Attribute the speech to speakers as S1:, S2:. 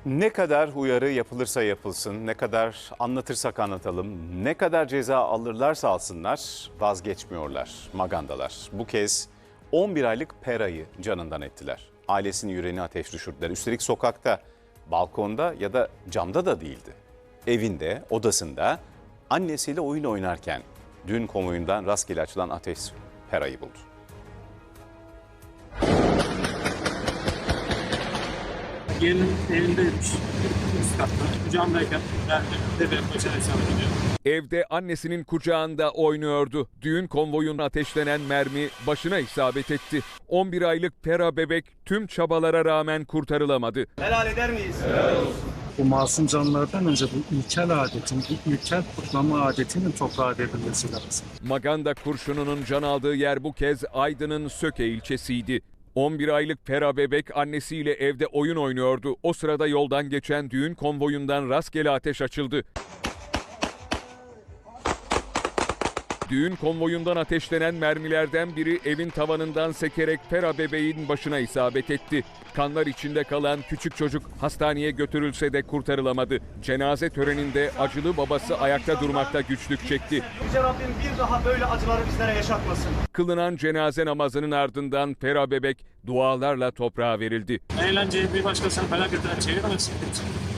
S1: Ne kadar uyarı yapılırsa yapılsın, ne kadar anlatırsak anlatalım, ne kadar ceza alırlarsa alsınlar vazgeçmiyorlar, magandalar. Bu kez 11 aylık Pera'yı canından ettiler. Ailesinin yüreğine ateş düşürdüler. Üstelik sokakta, balkonda ya da camda da değildi. Evinde, odasında annesiyle oyun oynarken düğün konvoyundan rastgele açılan ateş Pera'yı buldu.
S2: Gelinin evindeymiş. Üst katta. Kucağımdayken ben de benim başına hesap ediyor.
S3: Evde annesinin kucağında oynuyordu. Düğün konvoyuna ateşlenen mermi başına isabet etti. 11 aylık Pera bebek tüm çabalara rağmen kurtarılamadı.
S4: Helal eder miyiz?
S2: Bu masum canlılardan önce bu ilkel adetin, bu ilkel kutlama adetinin toprağa devrilmesi lazım.
S3: Maganda kurşununun can aldığı yer bu kez Aydın'ın Söke ilçesiydi. 11 aylık Pera bebek annesiyle evde oyun oynuyordu. O sırada yoldan geçen düğün konvoyundan rastgele ateş açıldı. Düğün konvoyundan ateşlenen mermilerden biri evin tavanından sekerek Pera bebeğin başına isabet etti. Kanlar içinde kalan küçük çocuk hastaneye götürülse de kurtarılamadı. Cenaze töreninde acılı babası ayakta durmakta güçlük çekti.
S4: Yüce Rabbim bir daha böyle acıları bizlere yaşatmasın.
S3: Kılınan cenaze namazının ardından Pera bebek dualarla toprağa verildi.
S2: Eğlenceyi bir başkasına felaketine çeviremezsin.